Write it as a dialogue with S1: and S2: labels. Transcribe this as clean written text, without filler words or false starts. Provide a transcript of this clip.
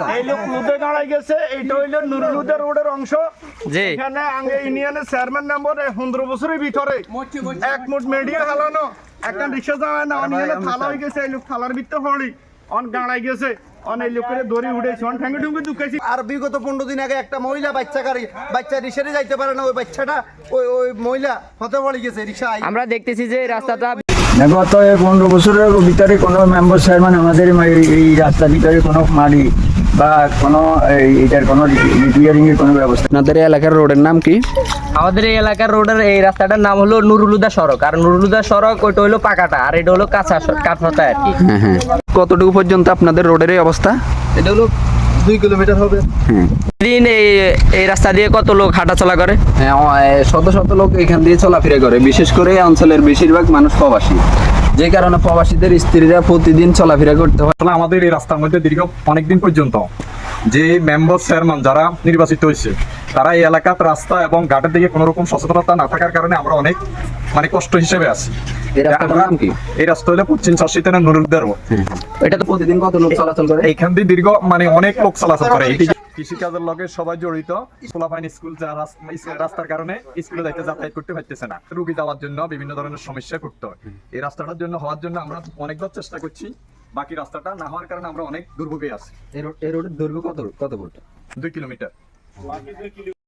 S1: এই লোক লুদে গাড়াই গেছে, এইটা হইলো নুরুলুদা রোডের অংশ। এখানে আগে ইউনিয়নের চেয়ারম্যান নম্বর 15 বছরের ভিতরে এক মুঠ মিডিয়া হালানো একটা রিক্সা যায় না, অনিয়নে থালা হয়ে গেছে। এই লোক থালার ভিতরে হলি অন গাড়াই গেছে, অনেক লোকের দড়ি উঠেছে, অন ঠ্যাঙ্গে ঠুঙ্গে ঢুকেছি।
S2: আর বিগত 15 দিন আগে একটা মহিলা বাচ্চা রিক্সাতে যাইতে পারে না, ওই বাচ্চাটা ওই মহিলা হতে পড়ে গেছে রিক্সা।
S3: আমরা দেখতেছি যে রাস্তাটা
S4: গত 15 বছরের ভিতরে কোনো মেম্বার চেয়ারম্যান আমাদের এই রাস্তার ভিতরে কোনো মালি বা কোনো এটার কোনো রিপেয়ারিং এর কোনো ব্যবস্থা।
S5: আপনাদের এই এলাকার রোডের নাম কি?
S3: আমাদের এই এলাকার রোডের এই রাস্তাটার নাম হলো নুরুলুদা সড়ক। আর নুরুলুদা সড়ক ওইটা হলো পাকাটা, আর এটা হলো কাঁচা আর কি।
S5: হ্যাঁ। কতটুকু পর্যন্ত আপনাদের রোডের এই অবস্থা?
S2: এটা হলো 2 কিলোমিটার হবে।
S3: দিন এই রাস্তা দিয়ে কত লোক হাঁটাচলা করে?
S5: হ্যাঁ, শত শত লোক এখান দিয়ে চলাফেরা করে, বিশেষ করে এই অঞ্চলের বেশিরভাগ মানুষ প্রবাসী, যে কারণে প্রবাসীদের স্ত্রীরা প্রতিদিন চলাফেরা করতে হয়।
S6: আসলে আমাদের এই রাস্তার মধ্যে দীর্ঘ অনেকদিন পর্যন্ত যে মেম্বার চেয়ারম্যান যারা নির্বাচিত হয়েছে, তারা এই এলাকার রাস্তা এবং ঘাটের দিকে কোনো রকম সচেতনতা না থাকার কারণে আমরা অনেক কষ্ট হিসেবে আছি।
S5: এই রাস্তাটার নাম কি?
S6: এই রাস্তা হলো পশ্চিম চরশিতানা নুরুলুদা রোড।
S5: এটা তো প্রতিদিন কত লোক চলাচল করে?
S6: এইখান দিয়ে দীর্ঘ অনেক লোক চলাচল করে। কৃষিকাজের লগে সবাই জড়িত। পোলাপাইন স্কুল রাস্তার কারণে স্কুলে যাতায়াত করতে পারতেছে না, রুগী যাওয়ার জন্য বিভিন্ন ধরনের সমস্যা করতে হয়। এই রাস্তাটার জন্য হওয়ার জন্য আমরা অনেকবার চেষ্টা করছি, বাকি রাস্তাটা না হওয়ার কারণে আমরা অনেক দুর্ভোগে আছি।
S5: এই রোডের দৈর্ঘ্য কত ফুট?
S6: 2 কিলোমিটার।